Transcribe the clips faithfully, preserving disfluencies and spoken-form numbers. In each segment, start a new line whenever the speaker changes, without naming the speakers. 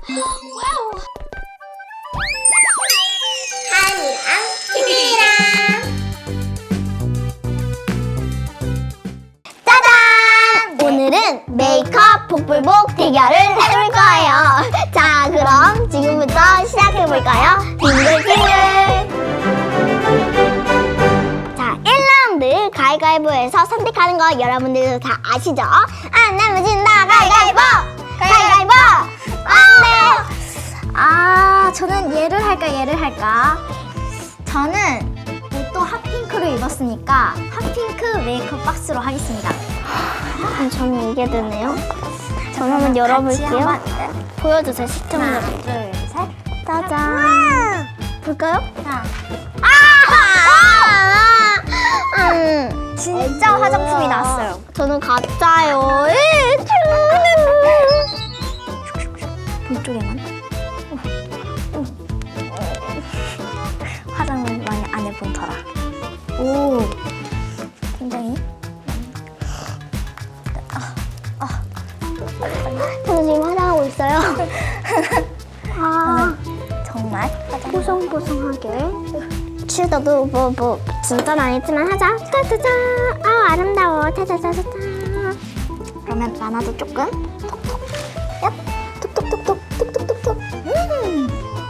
와우. 한이랑 TV랑 짜잔! 오늘은 메이크업 복불복 대결을 해볼 거예요. 자, 그럼 지금부터 시작해볼까요? 빙글빙글! 자, 일 라운드 가위가위보에서 선택하는 거 여러분들도 다 아시죠? 안 내면 진다 가위가위보! 가위가위보! 안 돼!
아, 저는 얘를 할까 얘를 할까? 저는 또 핫핑크로 입었으니까 핫핑크 메이크업 박스로 하겠습니다.
그럼 저는 이게 되네요. 저는 한번 열어볼게요.
한번,
보여주세요, 시청자.
하나, 둘, 셋.
짜잔. 볼까요?
하나.
아! 음,
진짜 화장품이 나왔어요.
저는 가짜요.
이쪽에만. 화장을 많이 안 해본 터라. 오, 굉장히.
저는 지금 화장하고 있어요. 아,
정말
뽀송뽀송하게. 슈더도 뭐, 뭐, 진짜는 아니지만 하자. 짜자잔. 아, 아름다워. 짜자자자자.
그러면 나나도 조금. 톡톡. 얍.
톡톡톡톡. 톡톡톡톡.
음.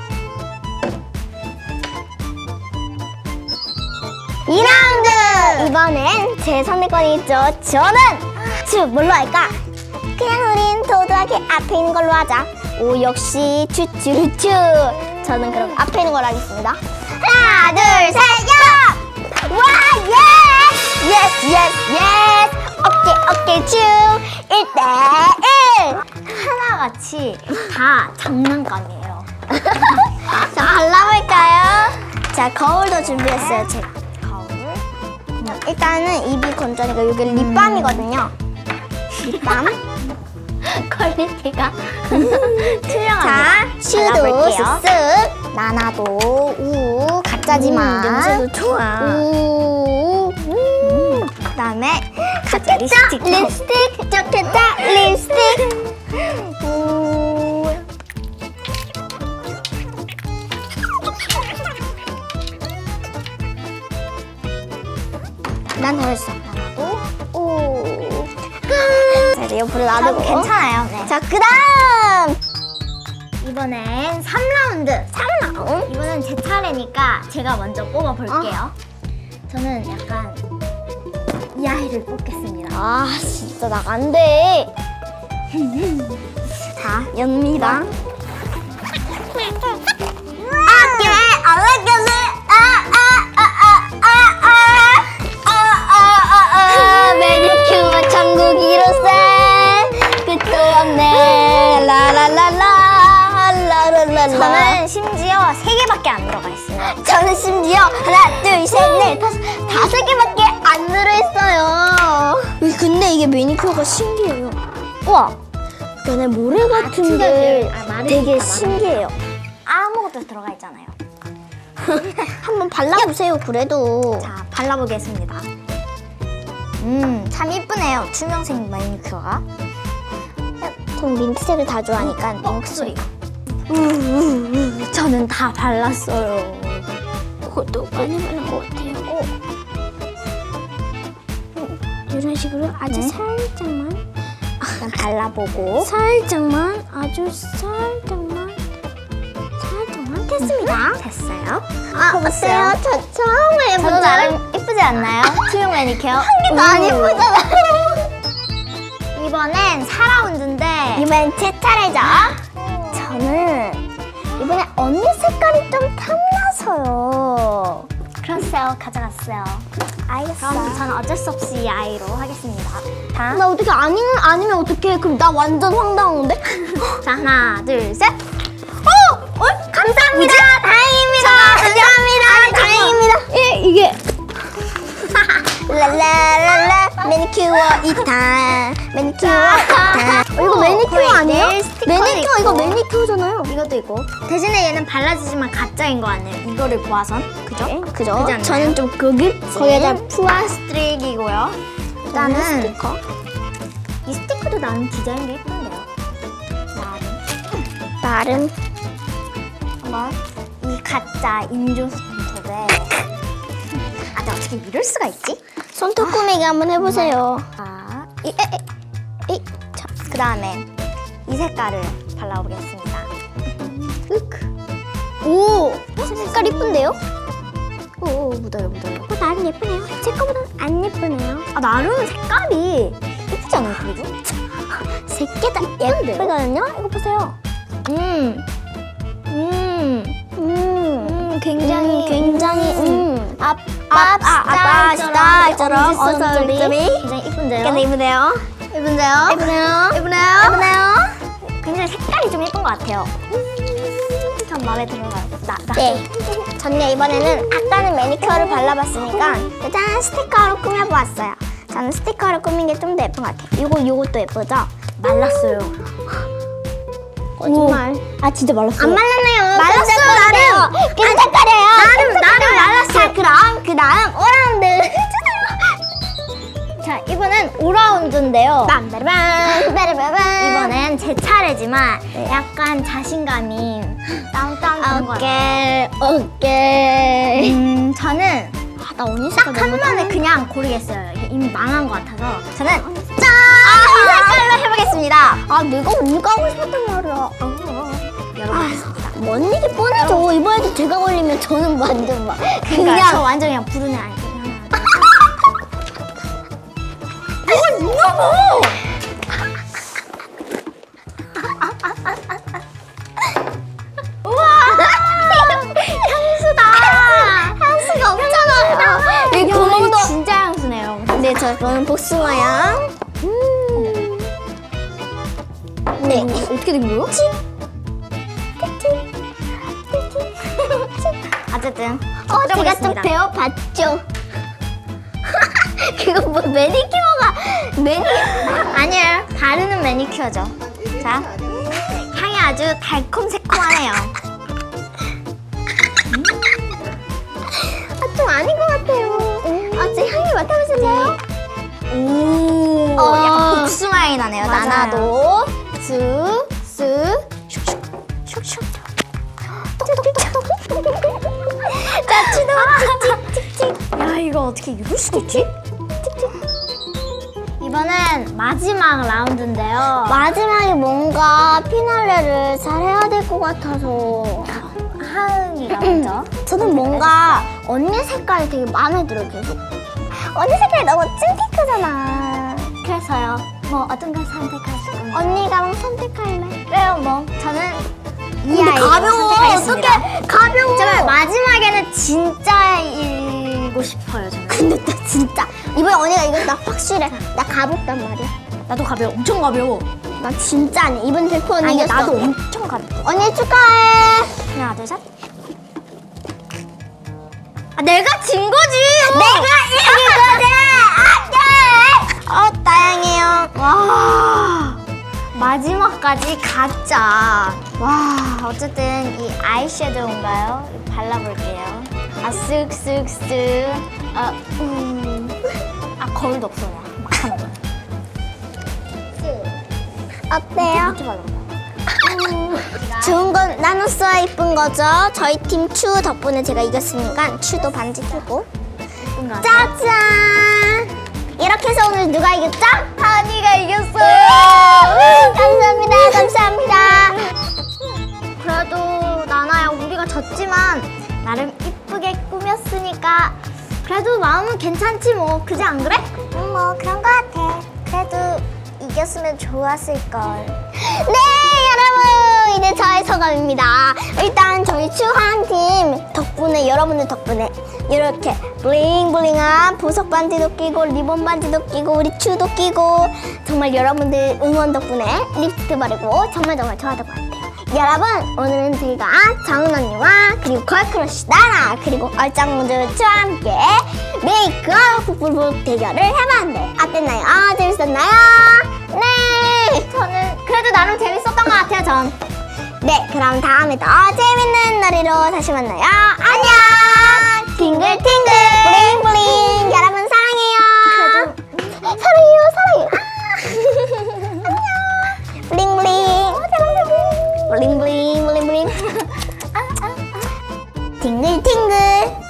이 라운드! 이번엔 제 선택권이 있죠. 저는 츄 뭘로 할까? 그냥 우린 도도하게 앞에 있는 걸로 하자. 오, 역시 츄츄츄. 저는 그럼 앞에 있는 걸로 하겠습니다. 하나, 둘, 셋, 야! 와, 예! 예스, 예스, 예스! 오케이, 오케이, 츄! 일 대 일!
하나같이 다 장난감이에요.
자, 발라볼까요? 자, 거울도 준비했어요, 제가.
거울.
일단은 입이 건조하니까 여기 립밤이거든요. 립밤.
퀄리티가 투명합니다.
자, 슈도
발라볼게요.
쓱쓱. 나나도 우 가짜지만.
음, 냄새도 좋아.
우. 음.
그다음에
좋겠다.
립스틱.
립스틱. 좋겠다. 립스틱. 우. 난 잘했어.
나나도.
오. 자, 이제 옆으로 놔두고.
괜찮아요. 네.
자, 그 다음.
이번엔 삼 라운드.
삼 라운드.
이번엔 제 차례니까 제가 먼저 뽑아볼게요. 저는 약간 이 아이를 뽑겠습니다.
아, 진짜 나 안 돼.
자,
연미다.
아,
아껴 알아껴서 아아아아아아아아아 매니큐어 천국이로세 끝도 없네 라라라라 라라라라.
저는 심지어 세 개밖에 안 들어가 있어요.
저는 심지어 하나 둘셋넷 다섯 다섯 개밖에 안 들어있어요. 근데 이게 매니큐어가 신기해요. 우와, 얘네 모래 같은 게
아, 마르니까,
되게
마르니까.
신기해요.
아무것도 들어가 있잖아요.
한번 발라보세요. 그래도.
자, 발라보겠습니다. 음, 참 이쁘네요. 투명색 매니큐어가.
전 민트색을 다 좋아하니까
어,
민트색.
우우우, 저는 다 발랐어요.
그것도 많이 바른 것 같아요. 이런 식으로 아주
네.
살짝만,
일단 발라보고.
살짝만, 아주 살짝만, 살짝만 됐습니다.
됐어요.
아, 어때요? 저 처음
전
해보는
나름 이쁘지 않나요? 투명 매니큐어. 한
개도 안 예쁘잖아요.
이번엔 사 라운드인데
이번엔 제 차례죠. 저는 이번에 언니 색깔이 좀 탐나서요.
그랬어요. 가져갔어요.
알겠어.
그럼 저는 어쩔 수 없이 이 아이로 하겠습니다. 자,
나 어떻게 아니, 아니면 어떡해. 그럼 나 완전 황당한데?
자 하나, 둘, 셋.
어! 어? 감사합니다. 다행입니다. 감사합니다. 다행입니다. 예, 이게. 랄랄랄라 매니큐어 이탄 매니큐어 이탄. 어, 이거 매니큐어 아니에요? 매니큐어 이거 매니큐어잖아요.
이것도 있고. 대신에 얘는 발라지지만 가짜인 거 같네요. 이거를 보아선. 그죠?
네, 그죠?
그지 않나요?
저는 좀 고급진.
거기에다 푸아 스트릭이고요.
일단은
일단은
스티커.
이 스티커도 나는 디자인도 예쁜데요. 나름.
나름
한번 이 가짜 인조 손톱에 아, 내가 어떻게 이럴 수가 있지?
손톱 꾸미기 한번 해보세요.
아, 이, 에, 에, 이, 자, 그 다음에 이 색깔을 발라보겠습니다. 으크.
오, 색깔 이쁜데요?
오, 오, 묻어요, 묻어요.
어, 나름 예쁘네요. 제 거보다 안 예쁘네요.
아, 나름 색깔이 예쁘지 않아요, 그래도?
새끼다 예쁘거든요? 이거 보세요.
음, 음,
음,
음, 굉장히,
음, 굉장히, 음.
아,
아, 아빠 스타일처럼
엄지손톱이
엄지손톱이
굉장히 이쁜데요?
굉장히 이쁘네요.
예쁜데요?
예쁘네요.
예쁘네요?
예쁘네요.
굉장히 색깔이 좀 예쁜 것 같아요. 음, 전 마음에 들어요. 나, 나.
네. 저는 이번에는 아까는 매니큐어를 발라봤으니까 일단 스티커로 꾸며보았어요. 저는 스티커로 꾸민 게 좀 더 예쁜 것 같아요. 이거, 이것도 예쁘죠?
말랐어요.
거짓말.
아, 진짜 말랐어요.
안 말랐네요.
말랐어요, 나름.
끈적거려요.
나름, 나름 말랐어요.
자, 그럼 그 다음 오라운드.
자, 이번엔 오라운드인데요.
빰빠라밤, 빠라바밤.
이번엔 제 차례지만 약간 자신감이 다운다운 것 같아요.
오케이, 오케이.
음, 저는
아, 나 언니
딱
색깔
한
너무
번에
탐-
그냥 고르겠어요. 이게 이미 망한 것 같아서 저는 짠! 이 색깔로 해보겠습니다.
아, 내가 언니가 하고 싶었단 말이야.
열어보겠습니다.
뭔 일이 뻔하죠. 이번에도 제가 걸리면 저는 완전 막
그러니까
그냥
저 완전 그냥 부르는 아이.
이걸 누르고.
우와! 향수다!
향수가 없잖아. 이
이거
구멍도.
진짜 향수네요.
네, 저 저는 복숭아향. 음. 네.
어떻게 된 거예요? 어쨌든
어, 제가 좀
해보겠습니다.
배워봤죠. 그거 뭐 매니큐어가 매니
아니에요. 바르는 매니큐어죠. 자, 향이 아주 달콤새콤하네요.
아, 좀 아닌 것 같아요. 아, 제 향이 맡아보실래요?
오,
어.
약간 복숭아 향이 나네요.
맞아요.
나나도 쓱, 쓱, 슉슉, 슉슉.
자, 추도
찍찍찍찍. 야, 이거 어떻게 이럴 수가 있지? 이번엔 마지막 라운드인데요.
마지막에 뭔가 피날레를 잘 해야 될 것 같아서
하은이가 먼저.
저는 뭔가 언니 색깔이 되게 마음에 들어요, 계속. 언니 색깔이 너무 찐피크잖아.
그래서요. 뭐 어떤 걸 선택하실 건가요?
언니가 선택할래?
그래요, 뭐 저는 이
근데
아이를
가벼워.
선택하겠습니다.
어떡해. 가벼워.
정말 마지막에는 진짜 일고 싶어요, 저는.
근데 나 진짜 이번에 언니가 이거 나 확실해. 나 가볍단 말이야.
나도 가벼워, 엄청 가벼워.
나 진짜 아니야. 이번 백 퍼센트
아니,
이겼어.
나도 엄청 가벼워.
언니 축하해.
하나, 둘, 셋. 아, 내가 진 거지.
내가 이긴 거지. 안돼. 어, 다행이에요.
와, 마지막까지 가짜. 와, 어쨌든 이 아이섀도우인가요? 이거 발라볼게요. 아, 쓱쓱쓱. 아, 음. 아, 거울도 없어. 그냥 막 하는 거.
어때요?
어떻게 발라볼까요?
좋은 건 나눠써야 이쁜 거죠. 저희 팀 추 덕분에 제가 이겼으니까 추도 반지 끼고.
예쁜 거 같아요.
짜잔. 이렇게 해서 오늘 누가 이겼죠?
하은이가 이겼어요.
우! 감사합니다. 감사합니다.
그래도 나나야, 우리가 졌지만 나름 이쁘게 꾸몄으니까 그래도 마음은 괜찮지 뭐. 그지 안 그래?
음, 뭐 그런 거 같아.
그래도 이겼으면 좋았을걸.
네, 여러분, 이제 저의 소감입니다. 일단 저희 추한 팀 덕분에, 여러분들 덕분에 이렇게 블링블링한 보석 반지도 끼고 리본 반지도 끼고 우리 추도 끼고 정말 여러분들 응원 덕분에 립스틱 바르고 정말 정말 좋았던 것 같아요. 여러분, 오늘은 저희가 정은 언니와 그리고 걸크러쉬 나나 그리고 얼짱모드 추와 함께 메이크업 북북북 대결을 해봤는데 어땠나요? 아, 재밌었나요? 네!
저는 그래도 나름 재밌었던 것 같아요, 전.
네, 그럼 다음에 더 재밌는 놀이로 다시 만나요. 안녕! 팅글팅글! 블링블링! 여러분 사랑해요! 사랑해요, 사랑해요! 안녕! 블링블링! 블링블링! 블링 블링 블링 팅글팅글